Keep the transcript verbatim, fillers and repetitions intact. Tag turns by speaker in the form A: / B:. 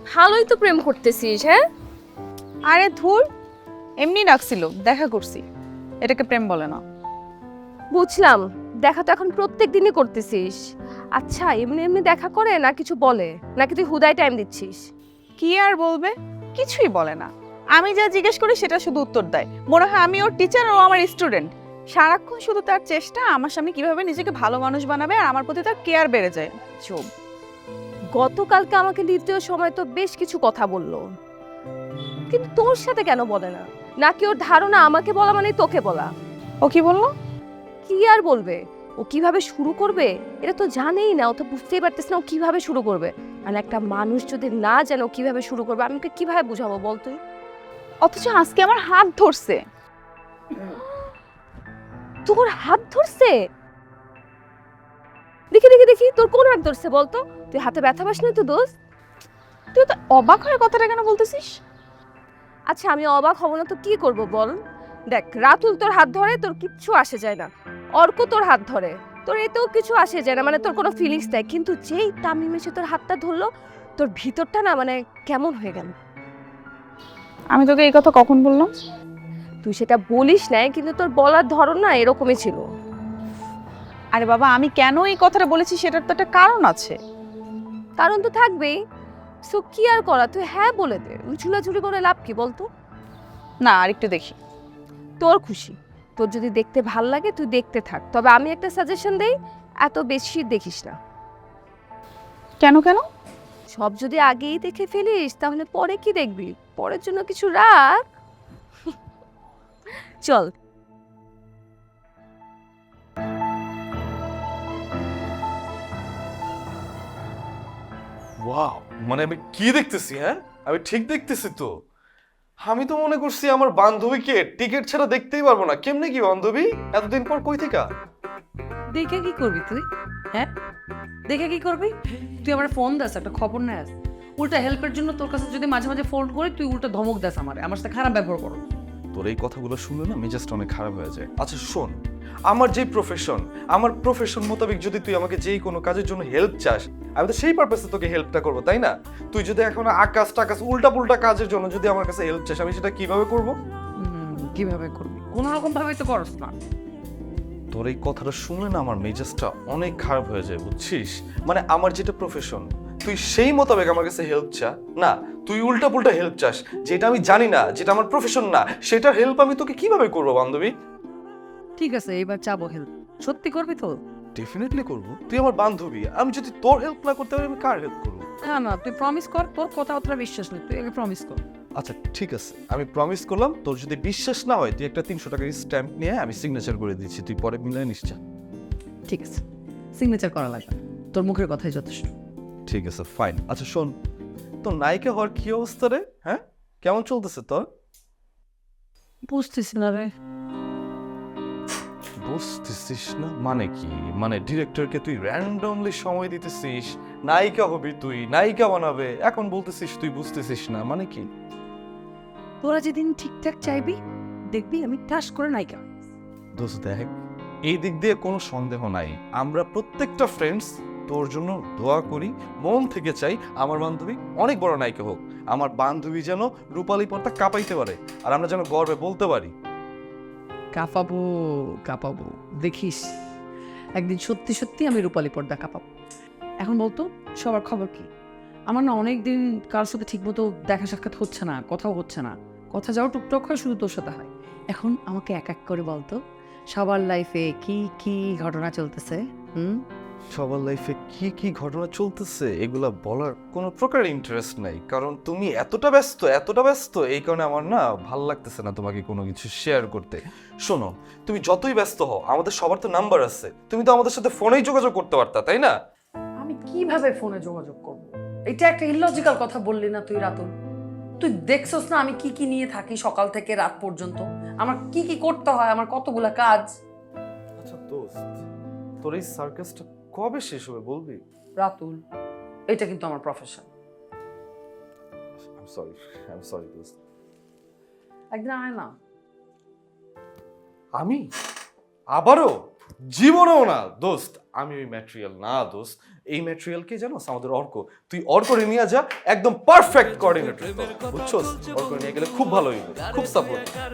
A: ভালোই তো প্রেম করতেছিস। হ্যাঁ,
B: আরে ধুর, এমনি ডাকছিল, দেখা করছি, এটাকে প্রেম বলে না।
A: বুঝলাম। দেখা তো এখন প্রত্যেক দিনই করতেছিস। আচ্ছা, এমনি এমনি দেখা করে না কিছু বলে, নাকি তুই হুদায় টাইম দিচ্ছিস?
B: কি আর বলবে, কিছুই বলে না। আমি যা জিজ্ঞেস করি সেটা শুধু উত্তর দেয়। মনে হয় আমি ওর টিচার, ও আমার স্টুডেন্ট। সারাক্ষণ শুধু তার চেষ্টা আমার সামনে কিভাবে নিজেকে ভালো মানুষ বানাবে, আর আমার প্রতি তার কেয়ার বেড়ে যায়। চুপ।
A: গতকালকে আমাকে দ্বিতীয় সময় তো বেশ কিছু কথা বললো, কিন্তু তোর সাথে কেন বলে না? নাকি ওর ধারণা আমাকে বলা মানে তোকে বলা?
B: ও কি বললো?
A: কি আর বলবে, ও কিভাবে শুরু করবে এটা তো জানেই না। ও তো বুঝতেই পারতেছ না ও কিভাবে শুরু করবে। আর একটা মানুষ যদি না জানে ও কিভাবে শুরু করবে, আমি ওকে কিভাবে বুঝাবো বল তুই?
B: অথচ আজকে আমার হাত ধরছে।
A: তোর হাত ধরছে? দেখি দেখি দেখি, তোর কোন হাত ধরছে বলতো? তুই হাতে ব্যথা পাস না তো দোস্ত?
B: তুই তো অবাক হয়ে কথাটা কেন বলতেছিস?
A: আচ্ছা, আমি অবাক হব না তো কি করব বল? দেখ, রাতুল তোর হাত ধরে, তোর কিচ্ছু আসে যায় না। অর্ক তোর হাত ধরে, তোর এতেও কিছু আসে যায় না, মানে তোর কোনো ফিলিংস নাই। কিন্তু যেই তামিম এসে তোর হাতটা ধরলো, তোর ভিতরটা না মানে কেমন হয়ে গেল।
B: আমি তোকে এই কথা কখন বললাম?
A: তুই সেটা বলিস নাই, কিন্তু তোর বলার ধরন না এরকমই ছিল।
B: আরে বাবা, আমি কেন এই কথাটা বলেছি সেটার তো একটা কারণ আছে।
A: কারণ তো থাকবেই। সো কি আর করা, তুই হ্যাঁ বলে দে। ঝুলাঝুলি করে লাভ কি বলতো?
B: না, আর একটু দেখি।
A: তোর খুশি। তোর যদি দেখতে ভাল লাগে তুই দেখতে থাক, তবে আমি একটা সাজেশন দেই, এত বেশি দেখিস না।
B: কেন কেন?
A: সব যদি আগেই দেখে ফেলিস তাহলে পরে কি দেখবি? পরের জন্য কিছু রাখ। চল।
C: ওয়াও, মানে আমি কি দেখতেছি? হ্যাঁ, আমি ঠিক দেখতেছি তো? আমি তো মনে করছি আমার বান্ধবীকে টিকিট ছাড়া দেখতেই পারবো না। কেমনে কি বান্ধবী, এতদিন পর কই থেকে?
D: দেখে কি করবি তুই? হ্যাঁ, দেখে কি করবি? তুই আমার ফোন দাস, একটা খবর নেস। উল্টা হেল্পের জন্য তোর কাছে যদি মাঝে মাঝে ফোন করি তুই উল্টা ধমক দাস আমারে, আমার সাথে খারাপ ব্যবহার করো।
C: তোর এই কথাগুলো শুনলে না মেজাজটা অনেক খারাপ হয়ে যায়। আচ্ছা শোন, আমার যে প্রফেশন, আমার প্রফেশন মোতাবেক যদি তুই আমাকে যেই কোনো কাজের জন্য হেল্প চাস, আমি তো সেই পারপাসে তোকে হেল্পটা করবো, তাই না? তুই যদি এখন আকাশ টাকাশ উল্টা পুল্টা কাজের জন্য যদি আমার কাছে হেল্প চাস, আমি সেটা কিভাবে করবো?
D: হুম, কিভাবে করবি? কোনো রকম ভাবে তো করস না।
C: তোর এই কথাটা শুনলে না আমার মেজাজটা অনেক খারাপ হয়ে যায়, বুঝছিস? মানে আমার যেটা প্রফেশন, তুই সেই মোতাবেক আমার কাছে হেল্প চা না, তুই উল্টা পুল্টা হেল্প চাস, যেটা আমি জানি না, যেটা আমার প্রফেশন না, সেটার হেল্প আমি তোকে কিভাবে করবো বান্ধবী?
D: ঠিক আছে, এবার চাবো হেল্প। সত্যি করবি তো?
C: ডেফিনেটলি করবো। তুই আমার বান্ধবী, আমি যদি তোর হেল্প না করতে পারি আমি কার হেল্প করবো?
D: না না, তুই প্রমিস কর, তোর কথা অতটা বিশ্বাস নেই, তুই আগে প্রমিস কর।
C: আচ্ছা ঠিক আছে, আমি প্রমিস করলাম। তোর যদি বিশ্বাস না হয় তুই একটা তিনশো টাকার স্ট্যাম্প নিয়ে আমি সিগনেচার করে দিচ্ছি, তুই পরে মিলাই নিস। যা।
D: ঠিক আছে, সিগনেচার করা লাগবে না, তোর মুখের কথাই যথেষ্ট।
C: ঠিক আছে ফাইন। আচ্ছা শোন, তোর নায়িকা হওয়ার কি অবস্থা রে? হ্যাঁ, কেমন চলতেছে তোর?
D: বুঝতেছি না রে।
C: বুঝতেছিস না মানে কি? মানে ডিরেক্টরকে তুই র্যান্ডমলি সময় দিতেছিস, নায়িকা হবি তুই, নায়িকা বানাবে, এখন বলতেছিস তুই বুঝতেছিস না, মানে কি?
D: তোরা যেদিন ঠিকঠাক চাইবি দেখবি আমি ঠাস করে নায়িকা।
C: দোস্ত দেখ, এই দিক দিয়ে কোনো সন্দেহ নাই, আমরা প্রত্যেকটা ফ্রেন্ডস তোর জন্য দোয়া করি, মন থেকে চাই আমার বান্ধবী অনেক বড় নায়িকা হোক, আমার বান্ধবী যেন রূপালী পর্দা কাঁপাইতে পারে, আর আমরা যেন গর্বে বলতে পারি।
D: কাঁপাবো কাঁপাবো, দেখিস একদিন সত্যি সত্যি আমি রূপালী পর্দা কাঁপাবো। এখন বলতো সবার খবর কি? আমার না অনেক দিন কার সাথে ঠিকমতো দেখা সাক্ষাৎ হচ্ছে না, কথাও হচ্ছে না। কথা যাও টুকটাক হয়, শুধু তোর সাথে হয়। এখন আমাকে এক এক করে বলতো সবার লাইফে কি কি ঘটনা চলতেছে। হুম,
C: সবার লাইফে কি কি ঘটনা চলতেছে এগুলা বলার কোনো প্রকার ইন্টারেস্ট নাই, কারণ তুমি এতটা ব্যস্ত এতটা ব্যস্ত এই কারণে আমার না ভাল লাগতেছে না তোমাকে কোনো কিছু শেয়ার করতে। শোনো, তুমি যতই ব্যস্ত হও আমাদের সবার তো নাম্বার আছে, তুমি তো আমাদের সাথে ফোনেই যোগাযোগ করতে পারতা, তাই না?
D: আমি কিভাবে ফোনে যোগাযোগ করব? এটা একটা ইলজিক্যাল কথা বললি না তুই রাতুল? তুই দেখছস না আমি কি কি নিয়ে থাকি সকাল থেকে রাত পর্যন্ত, আমার কি কি করতে হয়, আমার কতগুলা কাজ।
C: আচ্ছা দোস্ত, তোর এই সার্কাসটা কবে শেষ হবে বলবি?
D: রাতুল, এটা কিন্তু আমার profession.
C: I am sorry, I am sorry দোস্ত।
D: একদিন আয় না।
C: আমি আবারও? জীবনেও না দোস্ত, আমি ওই ম্যাটেরিয়াল না দোস্ত। এই ম্যাটেরিয়াল কে জানো, আমাদের অর্ক। তুই অর্করে নিয়ে যা, একদম পারফেক্ট কোঅর্ডিনেটর, বুঝছস? অর্ক নিয়ে গেলে খুব ভালো হইবে, খুব সাপোর্ট।